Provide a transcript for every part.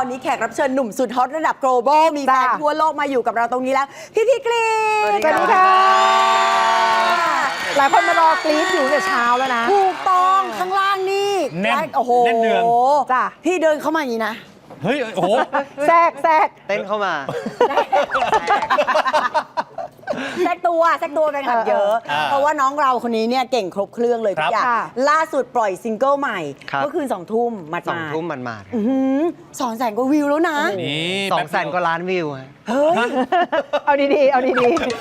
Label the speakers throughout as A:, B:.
A: อนนี้แขกรับเชิญหนุ่มสุดฮอตระดับ global มีแฟนทั่วโลกมาอยู่กับเราตรงนี้แล้ว พี่กรีน
B: สวัสดีค่ะหลายคนมารอกรี๊ดอยู่แต่เช้าแล้วนะ
A: ถูกต้องข้างล่างนี่
C: แน่น
A: โอ้โห
C: แน่นเนือง
B: จ้ะ
A: พี่เดินเข้ามาอย่างนี้นะ
C: เฮ้ย โอ้โห
B: แทรก
D: เต้นเข้ามา
A: แทรกตัวแฟนคลับเยอะ เพราะว่าน้องเราคนนี้เนี่ยเก่งครบเครื่องเลยทุกอย่าง
B: ค่ะ
A: ล่าสุดปล่อยซิงเกิลใหม่
D: ครับ
A: เมื่อคืน2 ทุ่มมา
D: 2 ทุ่มมัน
A: 200,000 กว่าวิวแล้วนะ
C: นี่
D: 200,000 กว่าล้านวิวฮะ
A: เฮ้ย
B: เอาดีๆ เอาดี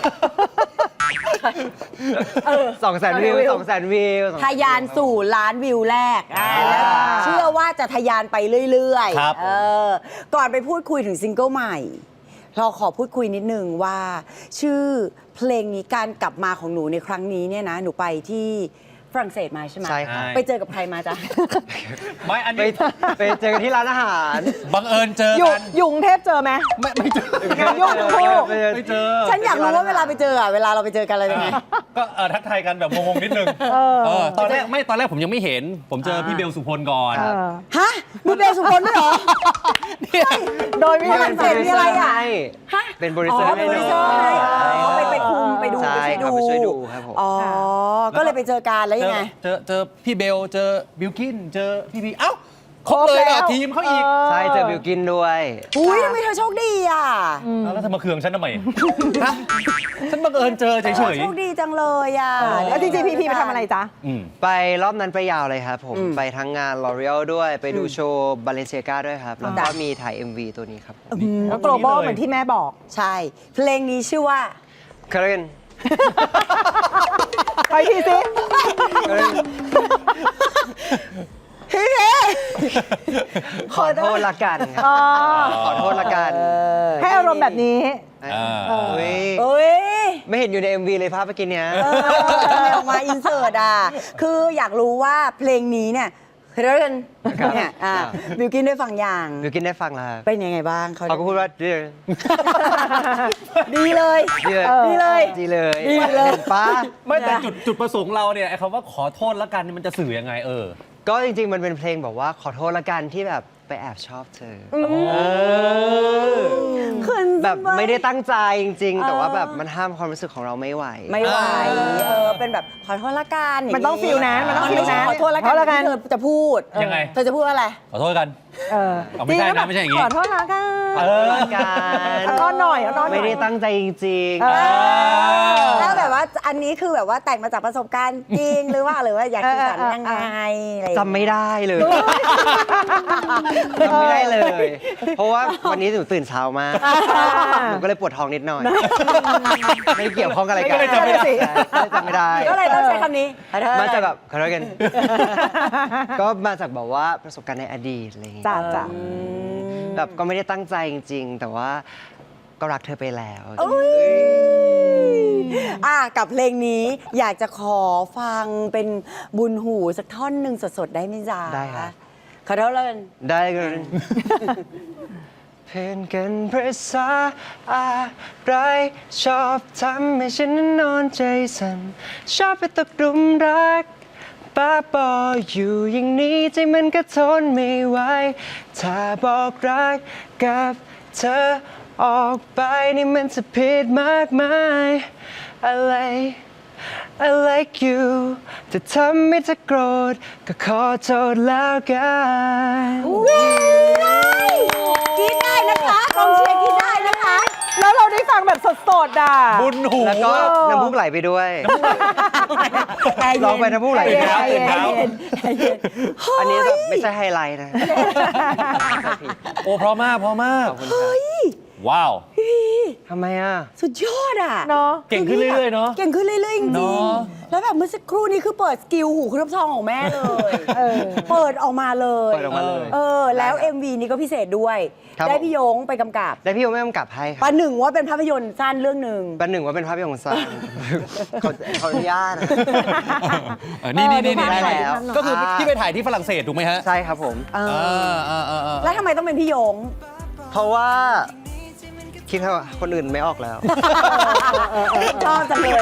D: 200,000 วิว 200,000 วิว
A: ทะยานสู่ล้านวิวแรกแล้วเชื่อว่าจะทะยานไปเรื่อย
C: ครับ
A: ก่อนไปพูดคุยถึงซิงเกิลใหม่ เราขอพูดคุยนิดนึงว่า ชื่อเพลงนี้การกลับมาของหนูในครั้งนี้เนี่ยนะ หนูไปที่ฝรั่งเศสมาใช่ไหม
D: ใช่ครับ
A: ไปเจอกับใครมาจ๊ะ
C: ไม่อัน
D: ไป
C: นี้
D: ไปเจอกันที่ร้านอาหาร
C: บังเอิญเจอ
B: ๆ อยู่
C: กัน
B: อยู่กรุงเทพเจอไหม
C: ไม่เจอง
B: านยุ่งทั้งคู่
C: ไม่เจอ
A: ฉันอยากรู้ว่าเวลาไปเจอเวลาเราไปเจอกันอะไรยังไง
C: ก็ทักทายกันแบบงงๆนิดนึงตอนแรกผมยังไม่เห็น ผมเจอพี่เบลสุพลก่อน
A: ฮะมีเบลสุพลด้วยเหรอ
B: โดยไม่
A: ฝรั่งเศสมีอะไรอ่ะ ฮะ
D: เป็นโปรดิวเซอร์
A: เป็นโปรดิวเซอร์ให้ไปคุมไปดู
D: ใช่ครับไปช่วยดูครับผม
A: อ๋อ ก็เลยไปเจอกันแล้วยังไง
C: เจอพี่เบล เจอบิลกิน เจอพี่พีเอ้าครบเลยอ่ะทีมเขาอีก
D: ใช่เจอบิวกินด้วย
A: อุ้ยทำไมเธอโชคดีอ่ะ
C: แล้วเธอมาเคืองฉันทำไมฮะฉันบังเอิญเจอเฉย
A: โชคดีจังเลยอ่ะ
B: แล้วจริงๆ พี่ไปทำอะไรจ๊ะ
D: ไปรอบนั้นไปยาวเลยครับผม ไปทั้งงาน L'Oreal ด้วย ไปดูโชว์ Balenciaga ด้วยครับ แล้วก็มีถ่าย MV ตัวนี้ครับผม
B: แล้ว global เหมือนที่แม่บอก
A: ใช่ เพลงนี้ชื่อว่า
D: เคเรน
B: ไปทีสิ
D: ขอโทษละกันครับ
B: อ๋อ
D: ขอโทษละกัน
B: ให้อารมณ์แบบนี้
D: อุ๊ย
A: เอ้ย
D: ไม่เห็นอยู่ใน MV เลยภาพเมื่อกี้เนี้ย
A: ทำไมออกมาอินเสิร์ตอ่ะ คืออยากรู้ว่าเพลงนี้เนี่ยเรื่องเนี่ยบิวกินได้ฟังอย่าง
D: บิวกินได้ฟังแล้วครับ
A: เป็นยังไงบ้าง
D: เขาก็พูดว่าดี
A: ดีเลย
D: เลย
A: ดีเลย
D: ดีเลย
A: ดีเลย
D: ห็นป้า
C: ไม่แต่จุดประสงค์เราเนี่ยไอ้คำว่าขอโทษละกันนี่มันจะสื่อยังไง
D: ก็จริงๆ มันเป็นเพลงแบบว่าขอโทษละกันที่แบบไปแอบชอบเธอแบบไม่ได้ตั้งใจจริงๆ แต่ว่าแบบมันห้ามความรู้สึกของเราไม่ไหว
A: ไม่ไหวเป็นแบบขอโทษละกัน
B: มันต้องฟีลนั้นมันต้องฟีลนั้น
A: ขอโทษละกันที่เธอจะพูด
C: ยังไง
A: เธอจะพูดว่าอะไร
C: ขอโทษกัน เอาไม่ใช่นะไม่ใช่อย่างงี้
B: ขอโทษละกัน
D: ขอโทษละกัน
B: อ้อนหน่อยอ้อนหน่อย
D: ไม่ได้ตั้งใจจริง
A: แล้วแบบว่าอันนี้คือแบบว่าแต่งมาจากประสบการณ์จริงหรือว่าอยากสื่อสารยังไงอะไร
D: ๆจำไม่ได้เลยจำไม่ได้เลย เพราะว่าวันนี้หนูตื่นเช้ามากหนูก็เลยปวดท้องนิดหน่อย ไม่เกี่ยวข้องกับอะไรกัน
C: ก็เลยจำไม่ได้
D: จำไม่ได้
A: ก็เลยต้องใช้คำนี้
D: มาจากแบบขอโทษกัน ก็มาจากแบบว่าประสบการณ์ในอดีตอะไรอย่างเงี้ย
B: จ้ะ
D: แบบก็ไม่ได้ตั้งใจจริงๆ แต่ว่าก็รักเธอไปแล้ว
A: กับเพลงนี้อยากจะขอฟังเป็นบุญหูสักท่อนหนึ่งสดๆได้ไหมจ๊ะ
D: ได้ค่ะ
A: ขอโทษเลย
D: ได้กันเพื่อนกันภาษาอะไรชอบทำให้ฉันนั้นนอนใจสั่นชอบไปตกหลุมรักป้าบออยู่อย่างนี้ใจมันก็ทนไม่ไหวถ้าบอกรักกับเธอออกไปนี่มันจะผิดมากมายอะไรI like you จะทำให้เธอโกรธก็ขอโทษแล้วกัน
A: กินได้นะคะกองเชียร์กินได้นะคะ
B: แล้วเราได้ฟังแบบสดๆอ่ะ
C: บุญหู
D: แล้วก็น้ำมูกไหลไปด้วยร้องไปน้ำมูกไหลไปด้วย อันนี้แบบไม่ใช่ไฮไลท์นะ
C: โอ้เพราะมาก
D: ขอบคุณครับ
C: ว้าว
D: ทำไมอ่ะ
A: สุดยอดอ่ะ
B: เนาะ
C: เก่งขึ้นเรื่อยๆเนาะ
A: เก่งขึ้นเรื่อยๆจริ
C: เน
A: ง
C: อะ
A: ๆแล้วแบบเมื่อสักครู่นี้คือเปิดสกิลหูเครือบทองของแม่เลยเปิดออกมาเลย
D: เปิดออกมาเลย
A: แล้ว MV นี้ก็พิเศษด้วย
D: ครับ
A: ได้พี่ยงไปกำกับ
D: ได้พี่โอไม่กำกับให้ค
A: ป
D: รับ
A: ระหนึ่งว่าเป็นภาพยนตร์สั้นเรื่องหนึ่ง
D: ประหนึ่งว่าเป็นภาพยนตร์สั้นขออนุญาตนะ
C: นี่
D: ได้แล้ว
C: ก็คือที่ไปถ่ายที่ฝรั่งเศสถูกไหมฮะ
D: ใช่ครับผม
A: แล้วทำไมต้องเป็นพี่ยง
D: เพราะว่าคิดว่าคนอื่นไม่ออกแล้ว
A: ชอบจังเลย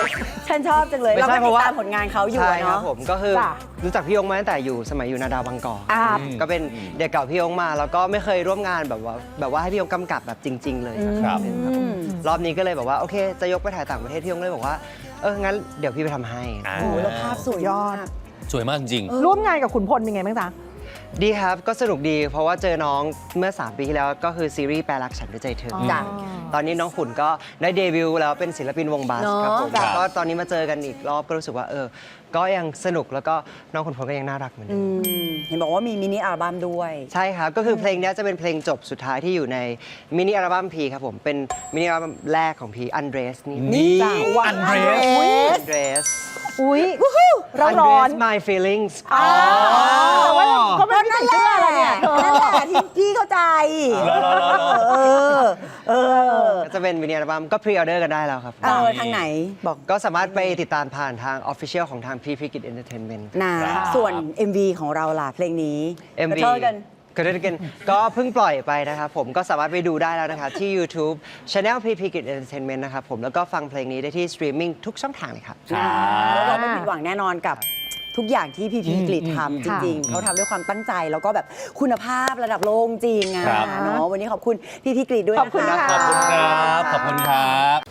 A: ฉันชอบจังเลย
D: ไม่
A: เรา
D: ใช่
A: ก็
D: เพ
A: ติ
D: ราะ
A: ด
D: ว่า
A: ตามผลงานเขาอยู่
D: ใช่
A: อะ
D: ครับ
A: เนาะ
D: ผมก็คือ
B: จ้ะ
D: รู้จักพี่ยงมาตั้งแต่อยู่สมัยอยู่นาดาวบางกอก
B: อ่า
D: ก็เป็นเด็กเก่าพี่ยงมาแล้วก็ไม่เคยร่วมงานแบบว่าให้พี่ยงกำกับแบบจริง ๆ เลย
C: ครับ
D: รอบนี้ก็เลยแบบว่าโอเค จะยกไปถ่ายต่างประเทศพี่ยงเลยบอกว่างั้นเดี๋ยวพี่ไปทำให้
C: อ่า
A: โอ้โหแล้วภาพสวยยอด
C: สวยมากจริง
B: ร่วมงานกับขุนพลเป็นไงบ้างจ๊ะ
D: ดีครับก็สนุกดีเพราะว่าเจอน้องเมื่อ 3 ปีที่แล้วก็คือซีรีส์แปลรักฉันด้วยใจเธอ
A: จ้ะ
D: ตอนนี้น้องขุนก็ได้เดบิวต์แล้วเป็นศิลปินวงบัส
A: เนอะ
D: ครับผม
A: จ้ะ
D: ก็ตอนนี้มาเจอกันอีกรอบก็รู้สึกว่าก็ยังสนุกแล้วก็น้องขุนพลก็ยังน่ารักเหมือนเดิม
A: เห็นบอกว่ามีมินิอัลบั้มด้วย
D: ใช่ครับ ก็คือเพลงเนี้ยจะเป็นเพลงจบสุดท้ายที่อยู่ในมินิอัลบั้มพีครับผม เป็นมินิอัลบั้มแรกของพีอันเดรสนี่
C: นี่
B: จ้ะ
C: อันเดรส
D: อันเดรส
B: อุ้ยเราร้อน
D: My Feelings
B: แต่ว่าก็ไม่ได้ใส่เสื้ออะไรเนี่ยเธอ
A: นั่นแหละที่พี่เข้าใจ เออ เออ
D: ก็จะเป็นมินิอัลบั้มก็พรีออเดอร์กันได้แล้วครับ
A: ทางไหนบอก
D: ก็สามารถไปติดตามผ่านทาง Official ของทางพีพีกิจเอนเตอร์เทนเมนต์
A: นะส่วน MV ของเราล่ะเพลงนี้
D: MV
A: กระเทยกัน
D: ก็ได้กันก็เพิ่งปล่อยไปนะครับผมก็สามารถไปดูได้แล้วนะคะที่ YouTube Channel PP Kid Entertainment นะครับผมแล้วก็ฟังเพลงนี้ได้ที่สตรีมมิ่งทุกช่องทางเลยครับ
A: แล้วเราไม่ผิดหวังแน่นอนกับทุกอย่างที่พีพีกรีดทำจริง ๆ เขาทำด้วยความตั้งใจ แล้วก็แบบคุณภาพระดับโลกจริงอะ
C: ครับ
A: เนาะวันนี้ขอบคุณพีพีกรีดด้วย
B: ขอบคุณ
A: นะคะ
B: ค่ะ
C: ขอบคุณครับ ขอบคุณครับ